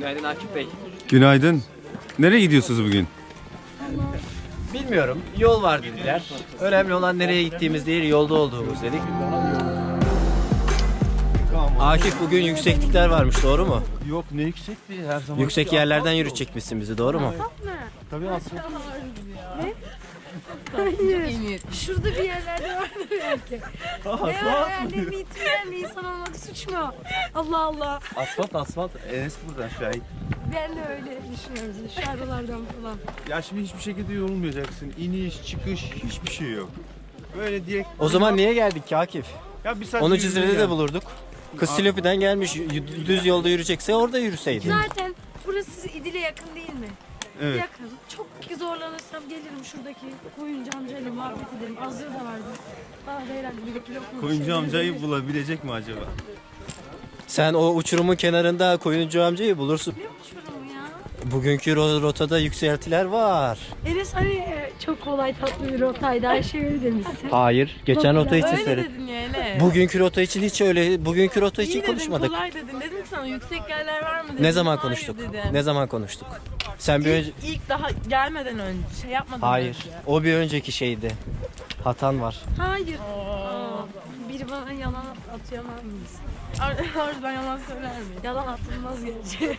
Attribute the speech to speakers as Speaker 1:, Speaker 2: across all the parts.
Speaker 1: Günaydın Akif Bey.
Speaker 2: Günaydın. Nereye gidiyorsunuz bugün?
Speaker 1: Bilmiyorum. Yol var dediler. Önemli olan nereye gittiğimiz değil, yolda olduğumuz dedik. Akif bugün yükseklikler varmış, doğru mu?
Speaker 3: Yok, ne yüksekti her zaman.
Speaker 1: Yüksek yerlerden yürütecekmişsin bizi, doğru mu?
Speaker 3: Tabii aslında.
Speaker 4: Hayır. Şurada bir yerlerde vardır belki. Ne var hayallerini yitiren bir insan olmak suç mu? Allah Allah.
Speaker 3: Asfalt. Enes buradan şahit.
Speaker 4: Ben de öyle düşünüyorum. Şu aralardan falan.
Speaker 3: Ya şimdi hiçbir şekilde yorulmayacaksın. İniş, çıkış, hiçbir şey yok. Böyle direkt...
Speaker 1: O zaman niye geldik ki Akif?
Speaker 3: Ya bir saat
Speaker 1: Onu
Speaker 3: yürüyün
Speaker 1: Cizre'de de
Speaker 3: yani.
Speaker 1: bulurduk. Kız Silopi'den gelmiş, düz yolda yürüyecekse orada yürüseydi.
Speaker 4: Zaten burası İdil'e yakın değil mi?
Speaker 3: Evet.
Speaker 4: Yakın. Çok zorlanırsam gelirim şuradaki koyuncu amcayla muhabbet ederim. Azır da vardı. Daha da herhalde bir kilo
Speaker 3: Koyuncu amcayı bulabilecek mi acaba?
Speaker 1: Sen o uçurumun kenarında koyuncu amcayı bulursun.
Speaker 4: Ne uçurum ya?
Speaker 1: Bugünkü rotada yükseltiler var.
Speaker 4: Enes hani çok kolay tatlı bir rotaydı. Her şey öyle demişsin.
Speaker 1: Hayır, geçen rota için
Speaker 5: Öyle
Speaker 1: seyret.
Speaker 5: dedin ya Ele.
Speaker 1: Bugünkü rota için hiç öyle, bugünkü rota için
Speaker 5: İyi dedin,
Speaker 1: konuşmadık.
Speaker 5: kolay dedin. Dedim ki sana yüksek yerler var mı dedim.
Speaker 1: Ne zaman
Speaker 5: Hayır
Speaker 1: konuştuk?
Speaker 5: dedin.
Speaker 1: Ne zaman konuştuk? Sen bir önce...
Speaker 5: İlk daha gelmeden önce şey yapmadan
Speaker 1: Hayır,
Speaker 5: önce.
Speaker 1: o bir önceki şeydi. Hatan var.
Speaker 4: Hayır. Biri bana yalan atıyamaz mıyız?
Speaker 5: Oradan yalan söyler miyim?
Speaker 4: Yalan atılmaz gerçi.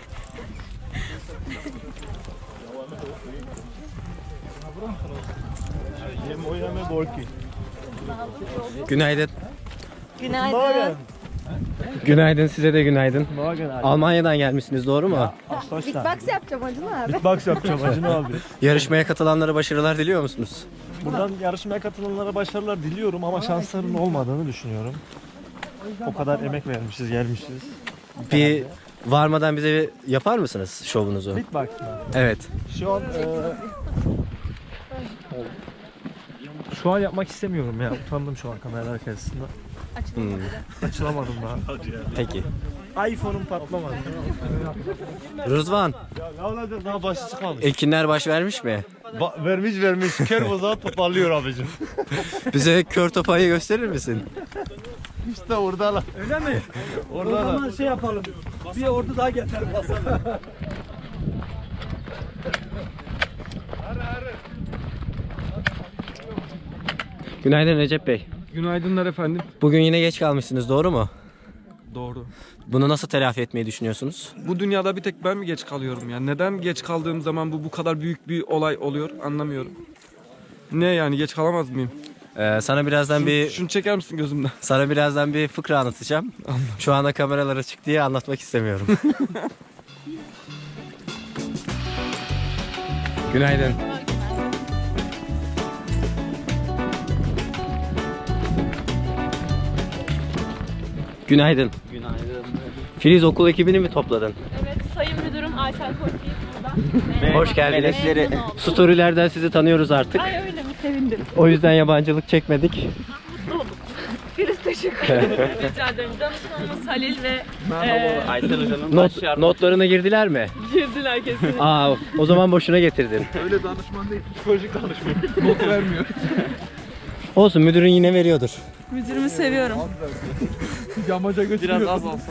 Speaker 1: Günaydın.
Speaker 5: Günaydın.
Speaker 1: Günaydın, size de günaydın. Almanya'dan gelmişsiniz, doğru mu?
Speaker 4: Beatbox yapacağım acaba abi.
Speaker 3: Box yapacağım Acun abi.
Speaker 1: Yarışmaya katılanlara başarılar diliyor musunuz?
Speaker 3: Buradan yarışmaya katılanlara başarılar diliyorum ama şansların olmadığını düşünüyorum. O kadar emek vermişiz, gelmişiz.
Speaker 1: Bir varmadan bize yapar mısınız şovunuzu?
Speaker 3: Beatbox mı?
Speaker 1: Evet.
Speaker 3: Şu an yapmak istemiyorum ya. Utandım şu an kameralar karşısında. Açılamadım daha.
Speaker 1: Peki.
Speaker 3: iPhone'um patlamadı.
Speaker 1: Rızvan,
Speaker 3: Ne olacak, daha başı çıkmamış.
Speaker 1: Ekinler baş vermiş mi?
Speaker 3: Vermiş. Kör bozağı toparlıyor abicim.
Speaker 1: Bize kör topayı gösterir misin?
Speaker 3: İşte oradalar. Öyle mi? Oradalar. O zaman şey yapalım. Bir ordu daha getirelim basalım.
Speaker 1: Günaydın Recep Bey.
Speaker 6: Günaydınlar efendim.
Speaker 1: Bugün yine geç kalmışsınız, doğru mu?
Speaker 6: Doğru.
Speaker 1: Bunu nasıl telafi etmeyi düşünüyorsunuz?
Speaker 6: Bu dünyada bir tek ben mi geç kalıyorum ya? Neden geç kaldığım zaman bu kadar büyük bir olay oluyor anlamıyorum. Ne yani geç kalamaz mıyım?
Speaker 1: Sana birazdan
Speaker 6: Şunu çeker misin gözümden?
Speaker 1: sana birazdan bir fıkra anlatacağım. Şu anda kameralar açık diye anlatmak istemiyorum. Günaydın. Günaydın.
Speaker 7: Günaydın.
Speaker 1: Filiz, okul ekibini mi topladın?
Speaker 5: Evet, sayın müdürüm Aysel Koçyiğit burada.
Speaker 1: Hoş geldiniz.
Speaker 5: Memnun oldum.
Speaker 1: Storylerden sizi tanıyoruz artık.
Speaker 5: Ay öyle mi? Sevindim.
Speaker 1: O yüzden yabancılık çekmedik.
Speaker 5: Filiz teşekkür ederim. Rica ederim. Danışmanımız Halil ve
Speaker 7: Aysel Hoca'nın
Speaker 1: Notlarına girdiler mi?
Speaker 5: girdiler kesin.
Speaker 1: Aa, o zaman boşuna getirdin.
Speaker 6: Öyle danışman değil, psikolojik danışman. Not vermiyor.
Speaker 1: Olsun, müdürün yine veriyordur.
Speaker 5: Müdürümü seviyorum.
Speaker 6: Yamaca götürüyor.
Speaker 7: biraz az olsa.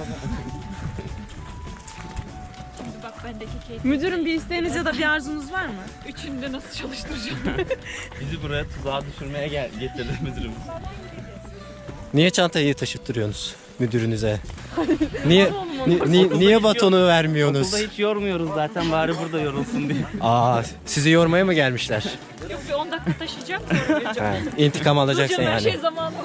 Speaker 5: Müdürüm, bir isteğiniz ya da bir arzunuz var mı? Üçünü de nasıl çalıştıracağım?
Speaker 7: Bizi buraya tuzağa düşürmeye getirdi müdürümüz.
Speaker 1: Niye çantayı taşıttırıyorsunuz müdürünüze? Niye batonu vermiyorsunuz?
Speaker 7: Okulda hiç yormuyoruz zaten, bari burada yorulsun diye.
Speaker 1: Aa, sizi yormaya mı gelmişler?
Speaker 5: Yok, bir 10 dakika taşıyacağım sonra geleceğim.
Speaker 1: Ha, intikam alacaksın
Speaker 5: Hocam her şey
Speaker 1: yani.
Speaker 5: zamanında.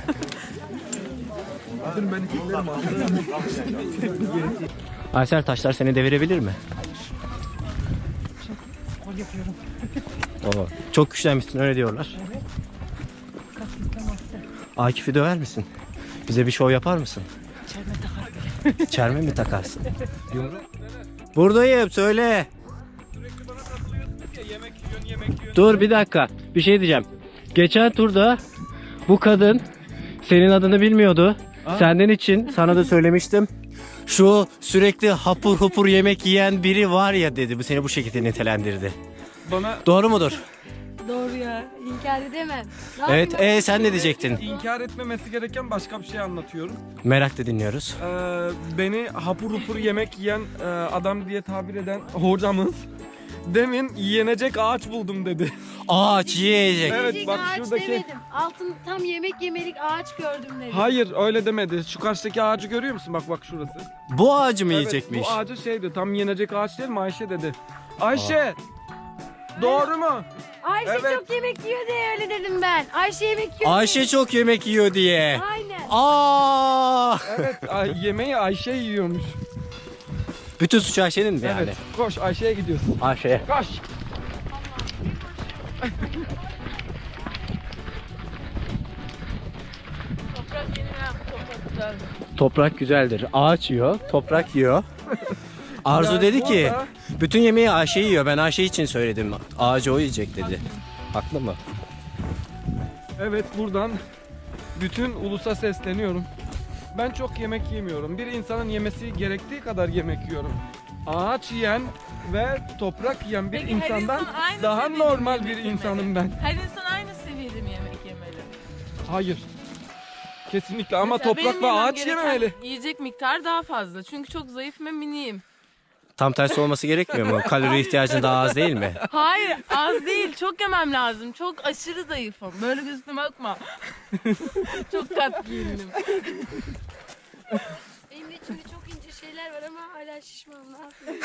Speaker 1: Aysel, taşlar seni devirebilir mi? Oo, çok güçlenmişsin, öyle diyorlar. Akif'i döver misin? Bize bir şov yapar mısın? Çelme mi takarsın? Buradayım, söyle. Dur bir dakika, bir şey diyeceğim. Geçen turda bu kadın senin adını bilmiyordu. Senden için sana da söylemiştim. Şu sürekli hapur hapur yemek yiyen biri var ya dedi. Bu seni bu şekilde nitelendirdi.
Speaker 6: Bana
Speaker 1: Doğru mudur?
Speaker 4: Doğru ya. İnkar edemem. Ne
Speaker 1: Evet,
Speaker 4: yapayım
Speaker 1: sen ne diyecektin?
Speaker 6: İnkar etmemesi gereken başka bir şey anlatıyorum.
Speaker 1: Merakla dinliyoruz.
Speaker 6: Beni hapur hupur yemek yiyen adam diye tabir eden hocamız demin yenecek ağaç buldum dedi.
Speaker 1: Ağaç yiyecek.
Speaker 6: Evet,
Speaker 4: ben?
Speaker 6: bak
Speaker 4: Ağaç
Speaker 6: şuradaki-
Speaker 4: demedim. Altın tam yemek yemelik ağaç gördüm dedim.
Speaker 6: Hayır öyle demedi. Şu karşıdaki ağacı görüyor musun? Bak şurası.
Speaker 1: Bu ağacı mı
Speaker 6: Evet,
Speaker 1: yiyecekmiş?
Speaker 6: bu ağacı şeydi, tam yenecek ağaç değil mi? Ayşe dedi. Ayşe! Doğru mu?
Speaker 4: Ayşe
Speaker 6: Evet.
Speaker 4: çok yemek yiyor diye öyle dedim ben. Ayşe yemek yiyor
Speaker 1: Ayşe çok yemek yiyor diye.
Speaker 4: diye. Aynen.
Speaker 1: Aa!
Speaker 6: Evet, yemeği Ayşe yiyormuş.
Speaker 1: Bütün suç Ayşe'nin mi yani?
Speaker 6: Evet, koş Ayşe'ye gidiyorsun.
Speaker 1: Ayşe'ye.
Speaker 6: Koş!
Speaker 5: Toprak yeni ya. Toprak güzel.
Speaker 1: Toprak güzeldir. Ağaç yiyor, toprak yiyor. Arzu
Speaker 6: Yani
Speaker 1: dedi ki,
Speaker 6: burada-
Speaker 1: bütün yemeği Ayşe yiyor. Ben Ayşe için söyledim. Ağacı o yiyecek dedi. Haklı mı?
Speaker 6: Evet, buradan bütün ulusa sesleniyorum. Ben çok yemek yemiyorum. Bir insanın yemesi gerektiği kadar yemek yiyorum. Ağaç yiyen ve toprak yiyen bir
Speaker 5: Peki, her
Speaker 6: insandan
Speaker 5: insan aynı
Speaker 6: daha
Speaker 5: seviyede mi
Speaker 6: normal
Speaker 5: yemek
Speaker 6: bir
Speaker 5: yemeli?
Speaker 6: insanım ben.
Speaker 5: Her insan aynı seviyede mi yemek yemeli?
Speaker 6: Hayır. Kesinlikle, ama
Speaker 5: Mesela
Speaker 6: toprak
Speaker 5: benim
Speaker 6: ve
Speaker 5: yemem
Speaker 6: ağaç
Speaker 5: gereken
Speaker 6: yememeli.
Speaker 5: Yiyecek miktar daha fazla. Çünkü çok zayıf ve miniyim.
Speaker 1: Tam tersi olması gerekmiyor mu? Kalori ihtiyacın daha az değil mi?
Speaker 5: Hayır, az değil. Çok yemem lazım. Çok aşırı zayıfım. Böyle gözüme bakma. Çok kat giyindim.
Speaker 4: Benim de içimde çok ince şeyler var ama hala şişmanım. Ne yapayım?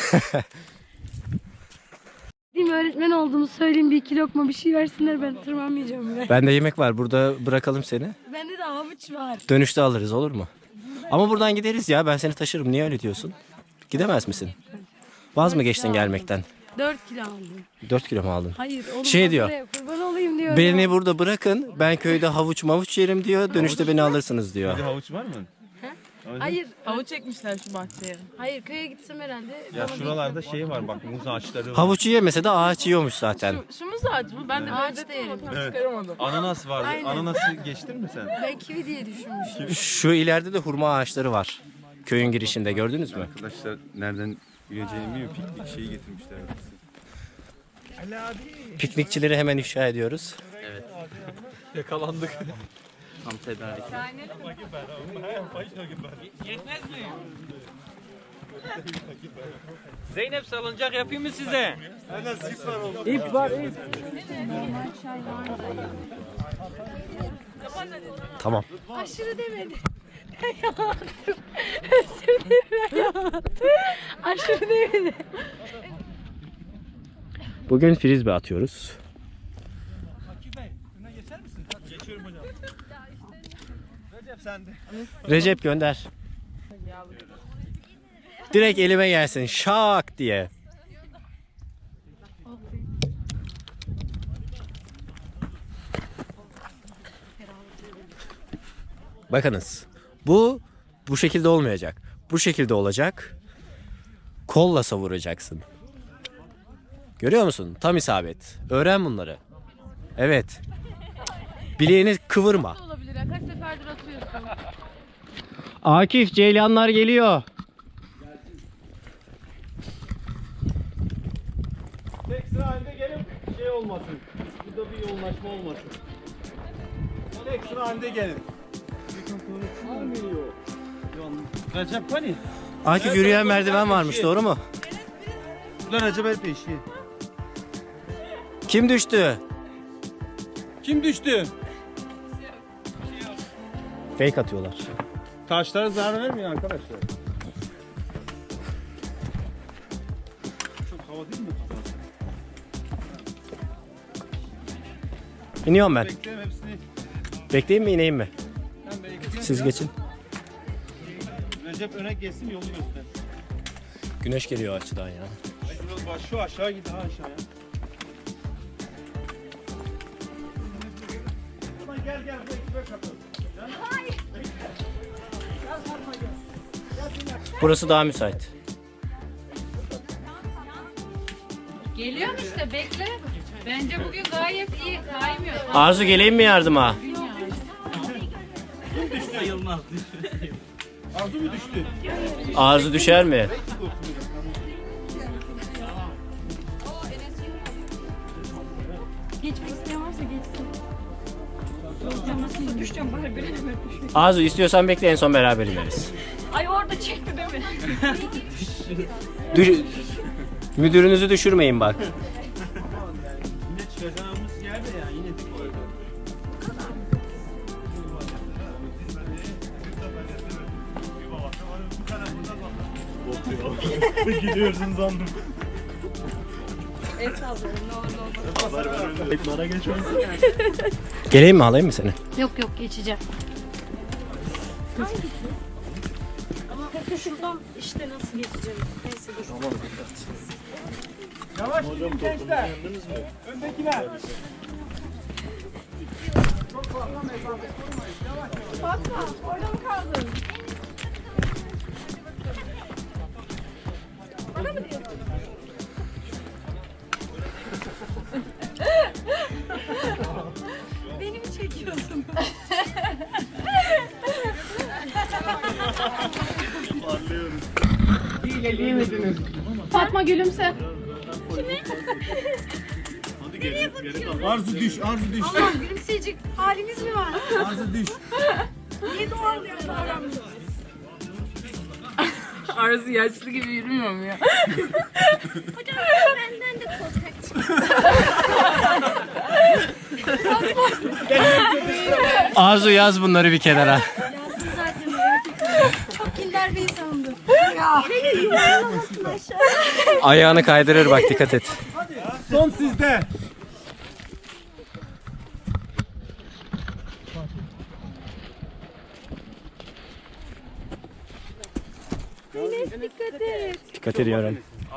Speaker 4: Değil mi, öğretmen olduğumu söyleyeyim, bir iki lokma bir şey versinler, ben tırmanmayacağım bile.
Speaker 1: Bende yemek var. Burada bırakalım seni.
Speaker 4: Bende de havuç var.
Speaker 1: Dönüşte alırız, olur mu? Ama buradan gideriz ya. Ben seni taşırım. Niye öyle diyorsun? Gidemez misin? Vaz mı geçtin gelmekten?
Speaker 4: 4 kilo aldım.
Speaker 1: 4 kilo mu aldın?
Speaker 4: Hayır oğlum,
Speaker 1: Şey
Speaker 4: ben
Speaker 1: diyor.
Speaker 4: buraya kurban olayım diyor.
Speaker 1: Beni burada bırakın. Ben köyde havuç mavuç yerim diyor. Dönüşte beni alırsınız diyor.
Speaker 7: Bir havuç var mı?
Speaker 4: Hayır,
Speaker 5: Havuç çekmişler şu bahçeye.
Speaker 4: hayır köye gitsem herhalde.
Speaker 7: Ya
Speaker 4: bana
Speaker 7: şuralarda şey var bak, muz ağaçları var.
Speaker 1: Havuçu yemese de ağaç yiyormuş zaten.
Speaker 5: Şu muz ağacı mı? Ben de
Speaker 4: Ağaç
Speaker 5: benzettim
Speaker 4: değil.
Speaker 5: ama tam
Speaker 7: Evet.
Speaker 5: çıkaramadım.
Speaker 7: Ananas vardı.
Speaker 4: Aynen.
Speaker 7: Ananası geçtin mi sen?
Speaker 4: Ben kivi diye düşünmüştüm.
Speaker 1: Şu ileride de hurma ağaçları var. Köyün girişinde gördünüz mü?
Speaker 2: Arkadaşlar nereden yürüyeceğini bilmiyor. Piknik şeyi getirmişler.
Speaker 1: Piknikçileri hemen ifşa ediyoruz.
Speaker 7: Yakalandık. Tam tedarik.
Speaker 8: Zeynep salıncak yapayım mı size?
Speaker 1: Tamam.
Speaker 4: Aşırı demedi. Ben yalattım. Özür dilerim, ben yalattım. Aşırı demedi.
Speaker 1: Bugün frisbee atıyoruz. Recep gönder. Direkt elime gelsin. Şak diye. Bakınız. Bu şekilde olmayacak. Bu şekilde olacak. Kolla savuracaksın. Görüyor musun? Tam isabet. Öğren bunları. Evet. Bileğini kıvırma.
Speaker 5: Olabilir ya. Kaç seferdir atıyorsun.
Speaker 1: Akif, ceylanlar geliyor.
Speaker 3: Tek sıra halinde gelin, şey olmasın. Burada bir yoğunlaşma olmasın. Tek sıra halinde gelin. Recep hani?
Speaker 1: Akif, yürüyen merdiven varmış, doğru mu?
Speaker 3: Lan Recep el peşi.
Speaker 1: Kim düştü?
Speaker 3: Kim düştü?
Speaker 1: Fake atıyorlar.
Speaker 3: Taşlara zarar vermiyor arkadaşlar. Çok hava değil mi?
Speaker 1: İniyorum ben.
Speaker 3: Bekleyin hepsini.
Speaker 1: Bekleyeyim mi, ineyim mi?
Speaker 3: Ben bekliyorum.
Speaker 1: Siz geçin.
Speaker 3: Recep öne geçsin, yolu göster.
Speaker 1: Güneş geliyor açıdan ya.
Speaker 3: Biraz bak, şu aşağı git, ha aşağıya. Gel gel, bu ekibe katıl.
Speaker 1: Burası daha müsait.
Speaker 9: Geliyorum işte, bekle. Bence bugün gayet iyi kaymıyor.
Speaker 1: Arzu, geleyim mi yardıma?
Speaker 7: Sayılmaz.
Speaker 3: Arzu mu düştü?
Speaker 1: Arzu düşer mi?
Speaker 4: Geçmek isteyen varsa geçsin. Hocam nasıl düşeceğim bari bir hemen düşeyim.
Speaker 1: Arzu istiyorsan bekle, en son beraber ineriz.
Speaker 4: Ay orada çekti değil mi?
Speaker 1: Müdürünüzü düşürmeyin bak.
Speaker 7: Yine çıkacağımız yerde ya yine dik orada.
Speaker 3: Gidiyorsun sandım.
Speaker 4: El sallıyorum ne olur ne olmaz.
Speaker 3: Eklara geçmesin.
Speaker 1: Geleyim mi, alayım mı seni?
Speaker 4: Yok yok geçeceğim. Ama peki şuradan işte nasıl geçeceğim? Neyse dur.
Speaker 6: Yavaş gidin gençler. Öndekiler.
Speaker 5: Fatma orada mı kaldın? Bana mı diyorsun?
Speaker 4: Beni mi çekiyorsun?
Speaker 5: Fatma gülümse.
Speaker 3: Arzu düş, Arzu düş.
Speaker 4: Allah'ım gülümseyecek haliniz mi var?
Speaker 3: Arzu düş.
Speaker 4: Niye doğal yani davranmıyorsunuz?
Speaker 5: Arzu yaşlı gibi yürümüyor mu ya?
Speaker 4: Hocam benden de korkak.
Speaker 1: Arzu yaz bunları bir kenara.
Speaker 4: Yazdım zaten merak etme. Çok kinder bir insanımdır. Ya. Beni yuvarlamasın aşağı.
Speaker 1: Ayağını kaydırır bak, dikkat et.
Speaker 3: Son sizde.
Speaker 4: Dikkat et.
Speaker 1: Dikkat ediyorum.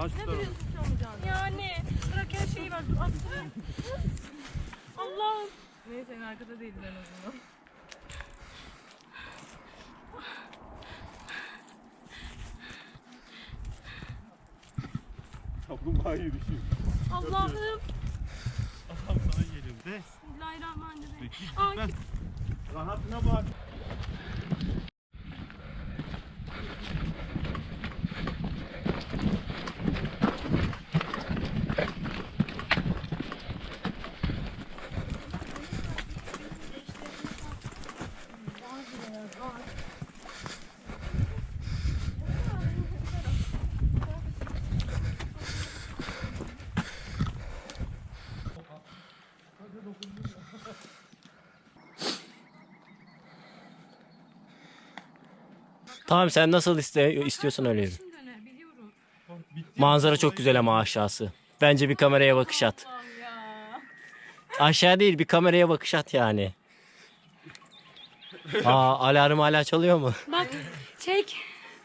Speaker 4: Yani bırak her şeyi var. Dur aslında. Allah'ım.
Speaker 5: Neyse en arkada değilim en azından.
Speaker 3: Kaplumbağa yürüyüşü.
Speaker 4: Allah'ım.
Speaker 3: Adam sana geliyor de.
Speaker 4: Bismillahirrahmanirrahim.
Speaker 3: Ben rahatına bak.
Speaker 1: Tamam, sen nasıl istiyorsan öyle yürü. Manzara çok güzel ama aşağısı. Bence bir kameraya bakış at. Aşağı değil, bir kameraya bakış at yani. Alarm hala çalıyor mu?
Speaker 4: Bak çek.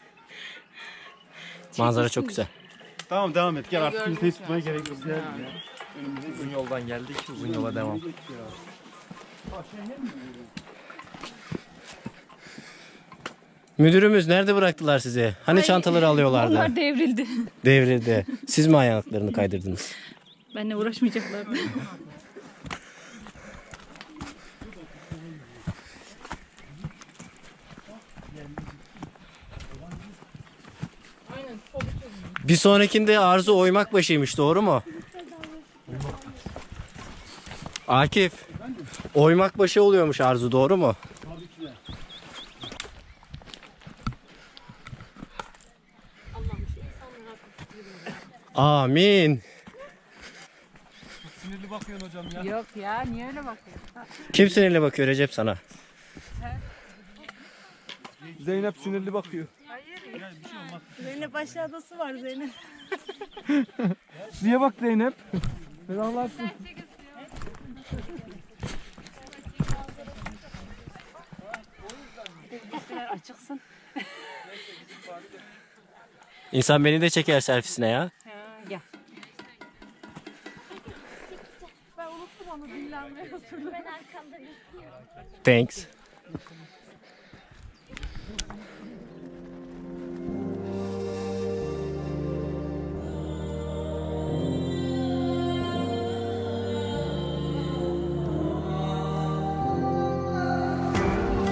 Speaker 1: Manzara çok güzel.
Speaker 3: Tamam devam et. Gel artık kimseyi tutmaya gerek yok. Gel ya. Önümüze uzun yoldan geldik. Uzun yola devam.
Speaker 1: Müdürümüz nerede bıraktılar sizi? Hani çantaları alıyorlardı?
Speaker 9: Onlar devrildi.
Speaker 1: Devrildi. Siz mi ayaklarını kaydırdınız?
Speaker 9: Benimle uğraşmayacaklardı.
Speaker 1: Bir sonrakinde Arzu oymak başıymış, doğru mu? Akif, oymak başı oluyormuş Arzu, doğru mu? Amin.
Speaker 6: Sinirli bakıyorsun hocam ya.
Speaker 5: Yok ya niye öyle bakıyorsun?
Speaker 1: Kim sinirle bakıyor Recep sana?
Speaker 6: Zeynep sinirli bakıyor.
Speaker 4: Zeynep aşağıdası var Zeynep.
Speaker 6: Niye bak Zeynep? Ferahlarsın.
Speaker 9: Açıksın.
Speaker 1: İnsan beni de çeker selfiesine ya.
Speaker 9: Gel.
Speaker 4: Ben unuttum onu dinlenmeye oturdum. Ben arkamda bekliyorum.
Speaker 1: Thanks.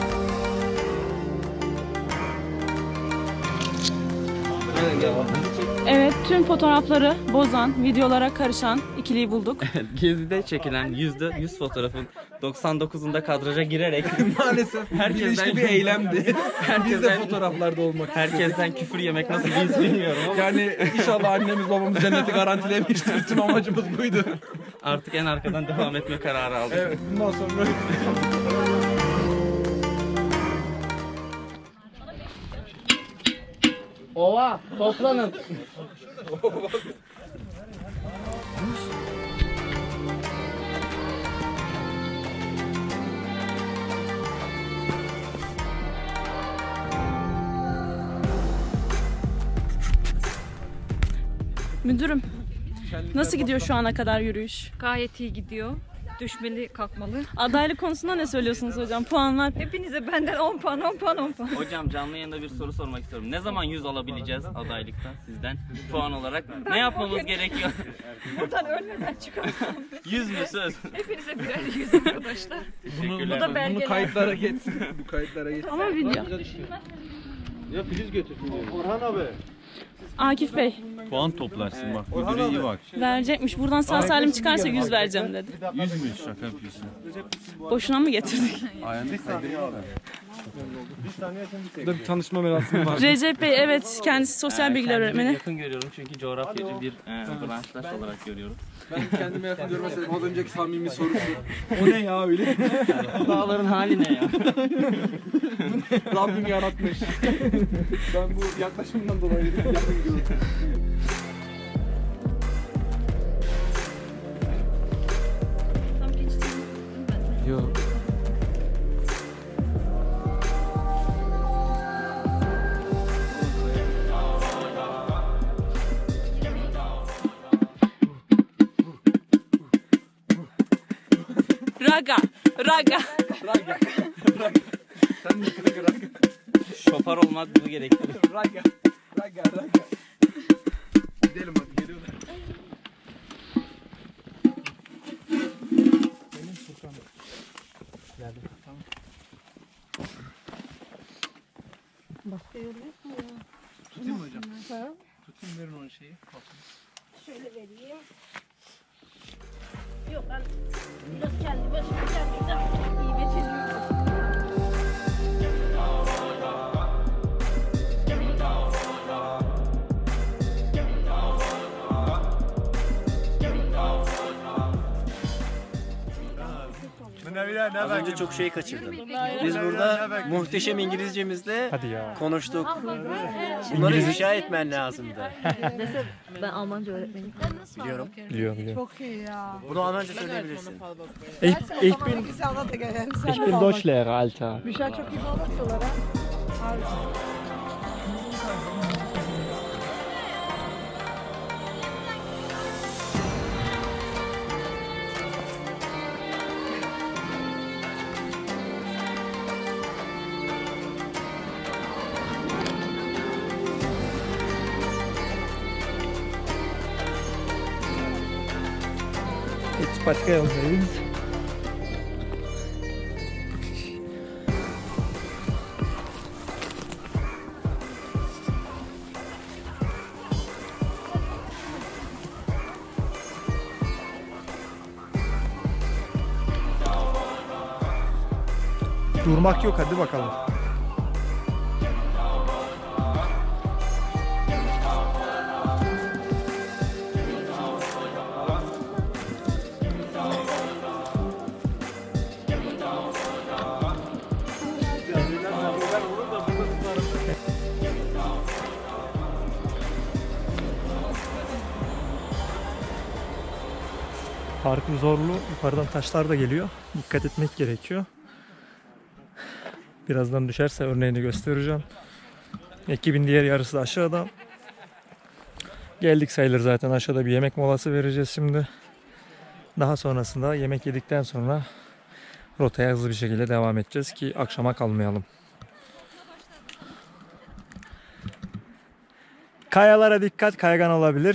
Speaker 3: Devam.
Speaker 5: Evet, tüm fotoğrafları bozan, videolara karışan ikiliyi bulduk.
Speaker 7: Gezide çekilen %100 fotoğrafın 99'unda kadraja girerek
Speaker 6: Maalesef
Speaker 7: herkesten
Speaker 6: bir eylemdi. Biz de fotoğraflarda olmak.
Speaker 7: herkesten küfür yemek nasıl bir his bilmiyorum ama
Speaker 6: Yani inşallah annemiz babamız cenneti garantilemiştir. Tüm amacımız buydu.
Speaker 7: artık en arkadan devam etme kararı aldık.
Speaker 6: Evet, bundan sonra
Speaker 1: Ova toplanın.
Speaker 5: Müdürüm, nasıl gidiyor şu ana kadar yürüyüş?
Speaker 9: Gayet iyi gidiyor. Düşmeli, kalkmalı.
Speaker 5: Adaylık konusunda ne söylüyorsunuz hocam? Puanlar.
Speaker 9: Hepinize benden 10 puan, 10 puan, 10 puan.
Speaker 7: Hocam canlı yayında bir soru sormak istiyorum. Ne zaman 100 alabileceğiz adaylıkta sizden puan olarak? Ne yapmamız gerekiyor?
Speaker 9: Buradan ölmeden çıkarsam.
Speaker 7: 100 mü söz?
Speaker 9: Hepinize birer 100 arkadaşlar.
Speaker 7: Teşekkürler.
Speaker 9: Bu da belgeler.
Speaker 6: kayıtlara geçsin. Bu kayıtlara geçsin.
Speaker 5: Ama video.
Speaker 3: Orhan abi.
Speaker 5: Akif Bey
Speaker 2: Puan toplarsın bak. Müdüre iyi bak.
Speaker 5: verecekmiş. Buradan sağ salim çıkarsa 100 vereceğim dedi.
Speaker 2: 100 mü? Şaka yapıyorsun.
Speaker 5: Boşuna mı getirdik?
Speaker 2: Ayağında kaydırıyorlar.
Speaker 6: Burada bir tanışma merasimi var.
Speaker 5: Recep Bey evet kendisi sosyal bilgiler
Speaker 7: Kendimi
Speaker 5: öğretmeni.
Speaker 7: yakın görüyorum çünkü coğrafyacı bir branştaş olarak görüyorum.
Speaker 6: Ben kendime yakın görmeseydim az önceki samimi soru şu. O ne ya öyle?
Speaker 7: Bu dağların hali ne ya?
Speaker 6: Rabbim yaratmış. Ben bu yaklaşımdan dolayı yakın gördüm.
Speaker 1: Yok.
Speaker 5: Raga, raga.
Speaker 7: Şoför olmak bunu gerektirir.
Speaker 6: Raga. Gidelim hadi geliyorlar. Tutayım mı hocam? Tutayım verin onun şeyi.
Speaker 4: Şöyle vereyim. Yok ben biraz kendi başıma kendimden iyi beceriyorum.
Speaker 1: Az önce çok şey kaçırdım. Biz burada muhteşem İngilizcemizle
Speaker 3: Hadi ya.
Speaker 1: konuştuk. Bunları ifşa etmen lazımdı.
Speaker 4: Ben Almanca öğretmenim.
Speaker 1: Biliyorum.
Speaker 3: Biliyorum.
Speaker 4: Çok iyi ya.
Speaker 1: Bunu Almanca söyleyebilirsin.
Speaker 3: Ich bin Deutschlehrer, Alter.
Speaker 4: Müşah çok iyi bakıyorlar ha.
Speaker 3: Jetzt başka yoldayız. Durmak yok, hadi bakalım. Parkur zorlu. Yukarıdan taşlar da geliyor. Dikkat etmek gerekiyor. Birazdan düşerse örneğini göstereceğim. Ekibin diğer yarısı da aşağıda. Geldik sayılır zaten. Aşağıda bir yemek molası vereceğiz şimdi. Daha sonrasında yemek yedikten sonra rotaya hızlı bir şekilde devam edeceğiz ki akşama kalmayalım. Kayalara dikkat, kaygan olabilir.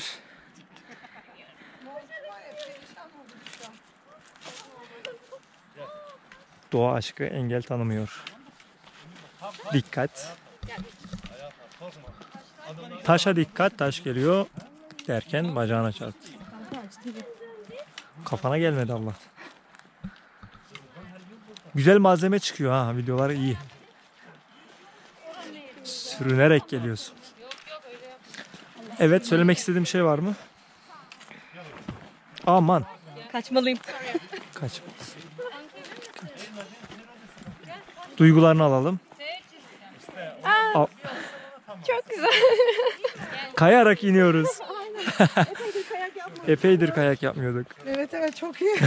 Speaker 3: Doğa aşkı engel tanımıyor. Dikkat. Taşa dikkat, taş geliyor derken bacağına çarptı. Kafana gelmedi Allah. Güzel malzeme çıkıyor ha, videolar iyi. Sürünerek geliyorsun. Evet, söylemek istediğim şey var mı? Aman.
Speaker 5: Kaçmalıyım.
Speaker 3: Kaçmaz. Duygularını alalım.
Speaker 4: Çok güzel.
Speaker 3: Kayarak iniyoruz. Epeydir kayak yapmıyorduk.
Speaker 4: Evet çok iyi.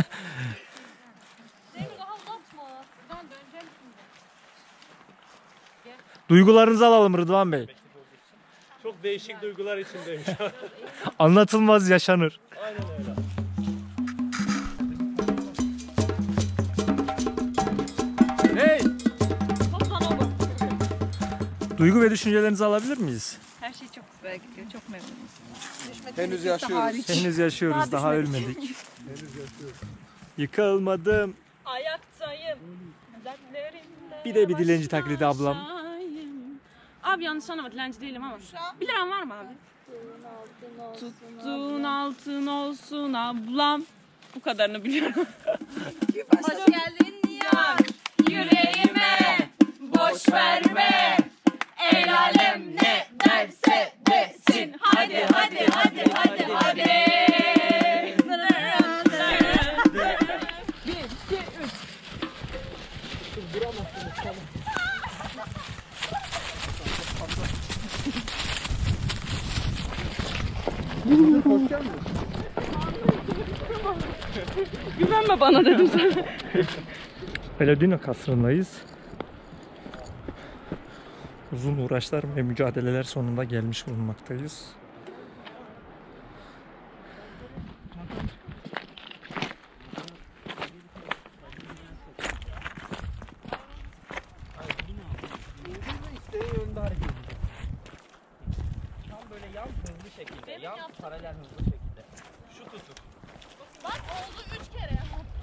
Speaker 3: Duygularınızı alalım Rıdvan Bey.
Speaker 1: Çok değişik duygular içindeyim.
Speaker 3: Anlatılmaz yaşanır.
Speaker 6: Hey!
Speaker 3: Duygu ve düşüncelerinizi alabilir miyiz?
Speaker 5: Her şey çok güzel gidiyor. Çok memnunum.
Speaker 6: Henüz yaşıyoruz.
Speaker 3: Henüz yaşıyoruz, daha ölmedik. Yıkılmadım.
Speaker 5: Ayaktayım. Dertlerimde.
Speaker 3: Bir de bir dilenci taklidi ablam.
Speaker 5: baştayım. Abi yanlış anlama, dilenci değilim ama. 1 liran var mı abi? Tuttuğun altın olsun ablam. Bu kadarını biliyorum.
Speaker 4: Hoş geldin ya.
Speaker 5: Yüreğime boş verme. El alem ne derse desin. Hadi hadi hadi hadi hadi. Güvenme bana dedim sana.
Speaker 3: Paladino kasrındayız. Uzun uğraşlar ve mücadeleler sonunda gelmiş bulunmaktayız.
Speaker 7: Tam böyle yan hızlı şekilde. Yan paralel hızlı şekilde. Şu tutuk.
Speaker 5: Bak oldu 3 kere.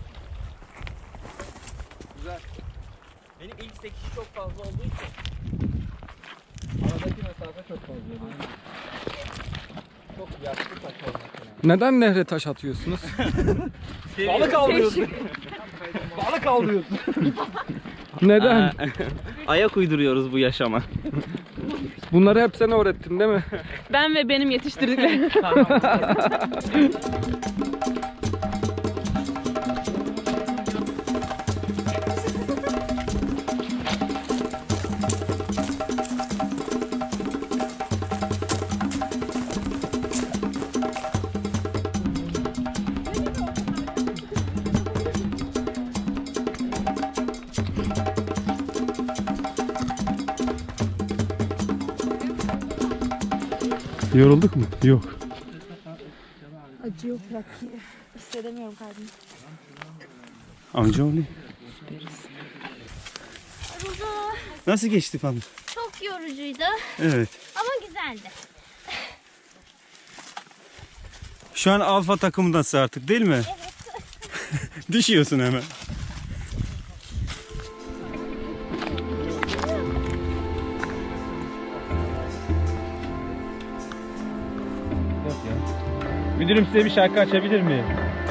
Speaker 6: Güzel.
Speaker 7: Benim ilk sekişi çok fazla olduğu için.
Speaker 6: Aradaki mesafe çok fazla. Çok yaşlı taş olmak. Neden nehre taş atıyorsunuz? Balık avlıyorsun. Balık avlıyorsun. Neden?
Speaker 7: Ayak uyduruyoruz bu yaşama.
Speaker 6: Bunları hep sen öğrettin değil mi?
Speaker 5: Ben ve benim yetiştirdiklerim.
Speaker 2: Yorulduk mu? Yok.
Speaker 4: Acıyor bırak. Hissedemiyorum kalbimi.
Speaker 2: Amcaoğlu. Nasıl geçti falan?
Speaker 10: Çok yorucuydu
Speaker 2: Evet.
Speaker 10: ama güzeldi.
Speaker 2: Şu an alfa takımındasın artık değil mi? Evet. Düşüyorsun hemen.
Speaker 8: Müdürüm size bir şarkı açabilir miyim?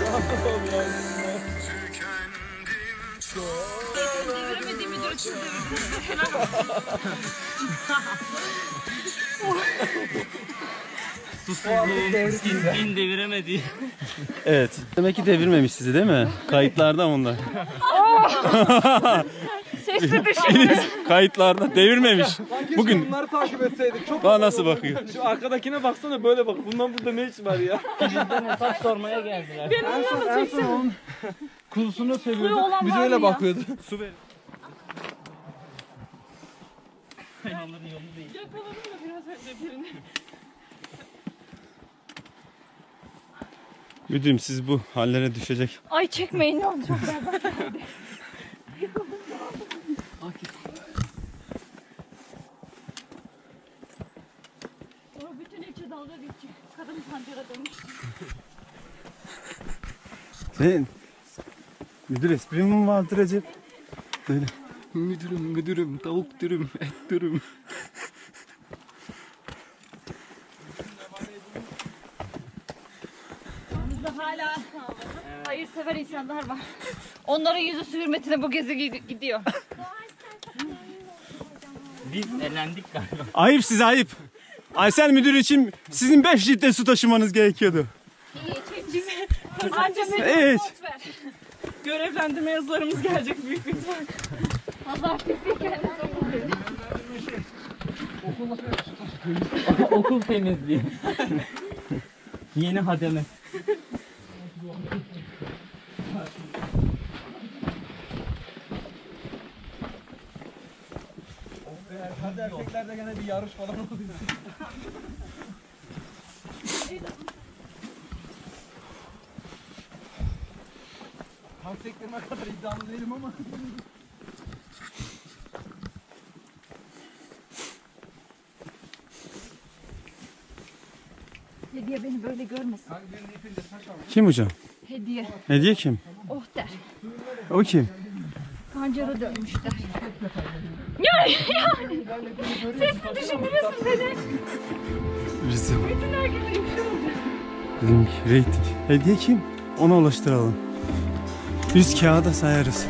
Speaker 7: Din deviremedi.
Speaker 2: Evet. Demek ki devirmemiş sizi değil mi? Kayıtlarda onlar.
Speaker 5: Sesli düşün.
Speaker 2: Kayıtlarda devirmemiş. Bugün
Speaker 6: Bunları takip etseydik çok.
Speaker 2: bana nasıl bakıyor?
Speaker 6: Şu arkadakine baksana böyle bak. Bundan burada ne iş var ya?
Speaker 7: Bizden hesap sormaya geldiler.
Speaker 6: En son onun kulusunu
Speaker 5: Suyu
Speaker 6: seviyordu.
Speaker 5: olan
Speaker 6: Bir de
Speaker 5: var
Speaker 6: öyle
Speaker 5: mı ya?
Speaker 6: bakıyordu.
Speaker 2: Su ver.
Speaker 7: Onların yolu değil.
Speaker 5: Yakaladım da biraz önce birini.
Speaker 2: Müdürüm siz bu hallere düşecek.
Speaker 4: Ay çekmeyin ne oldu çok berbat. O bütün içi dalga geçecek. Kadın pancara dönmüş.
Speaker 2: Sen müdür espri mi vardır Recep? Böyle.
Speaker 6: Müdürüm, tavuk dürüm, et dürüm.
Speaker 9: hayırsever insanlar var. Onların yüzü hürmetine bu gezi gidiyor.
Speaker 7: Biz elendik galiba.
Speaker 2: Ayıp size ayıp. Aysel müdür için sizin 5 litre su taşımanız gerekiyordu. Evet.
Speaker 5: Görevlendirme yazılarımız gelecek büyük bir ihtimal.
Speaker 7: Okul temizliği. Yeni hademe.
Speaker 6: Hadi erkeklerde gene bir yarış falan oluyor. Tam sektirme kadar iddialı değilim ama.
Speaker 9: Hediye beni böyle görmesin.
Speaker 2: Kim hocam?
Speaker 9: Hediye.
Speaker 2: Hediye kim?
Speaker 9: Oh der.
Speaker 2: O kim?
Speaker 9: Pancara dönmüş der. Sesli düşündürüyorsun beni.
Speaker 2: Bizim.
Speaker 9: Bütün herkese ifşa olacak.
Speaker 2: Bizim reyting. Hediye kim? Ona ulaştıralım. Biz kağıda sayarız.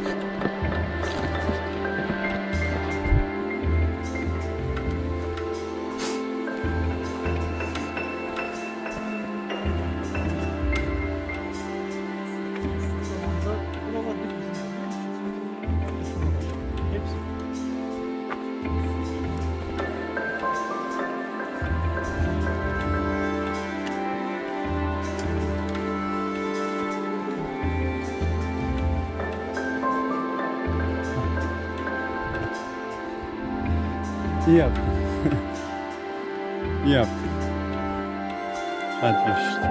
Speaker 2: İyi yaptın. İyi yaptın. Hadi görüşürüz.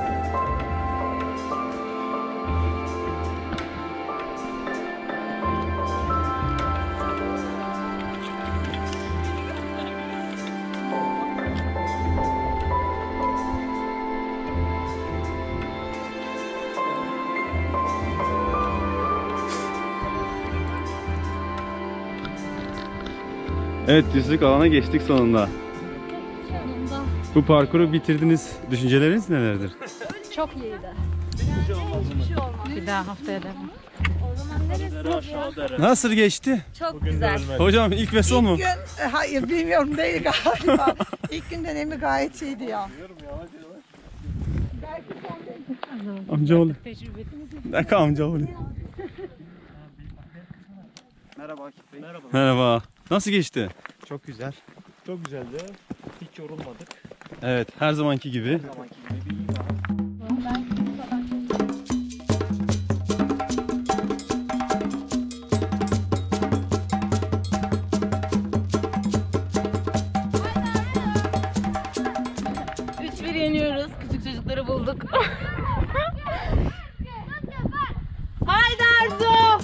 Speaker 2: Evet, düzlük alana geçtik sonunda.
Speaker 9: Sonunda.
Speaker 2: Bu parkuru bitirdiniz. Düşünceleriniz nelerdir?
Speaker 9: Çok iyiydi. Bir daha haftaya devam.
Speaker 2: Nasıl geçti?
Speaker 9: Çok güzel.
Speaker 2: Hocam ilk ve son mu?
Speaker 11: Hayır bilmiyorum değil galiba. İlk gün dönemi gayet iyiydi ya.
Speaker 2: Amcaoğlu. Ne dakika amcaoğlu.
Speaker 8: Merhaba Akif Bey. Merhaba.
Speaker 2: Merhaba. Nasıl geçti?
Speaker 8: Çok güzel. Çok güzeldi. Hiç yorulmadık.
Speaker 2: Evet, her zamanki gibi.
Speaker 8: Her zamanki gibi iyi var.
Speaker 5: Yeniyoruz. Küçük çocukları bulduk. Haydi Arzu!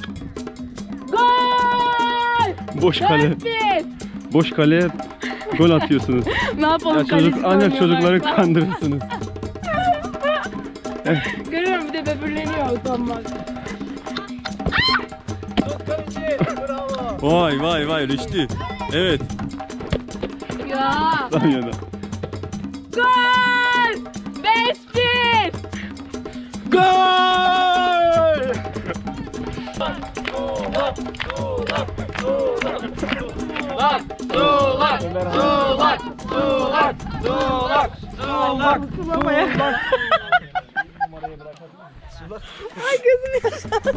Speaker 5: Gol!
Speaker 2: Boş kale.
Speaker 5: 4-1.
Speaker 2: Boş kale gol atıyorsunuz.
Speaker 5: Ne yapalım?
Speaker 2: Ya
Speaker 5: kaleci
Speaker 2: ancak çocukları
Speaker 5: oynuyorlar.
Speaker 2: kandırırsınız.
Speaker 5: Görüyorum bir de böbürleniyor utanmaz.
Speaker 2: Vay vay vay Rüştü. Evet.
Speaker 5: Ya!
Speaker 2: Tam yana.
Speaker 5: Gol! 5-1.
Speaker 2: Gol!
Speaker 5: Ay gözüm yaşardı.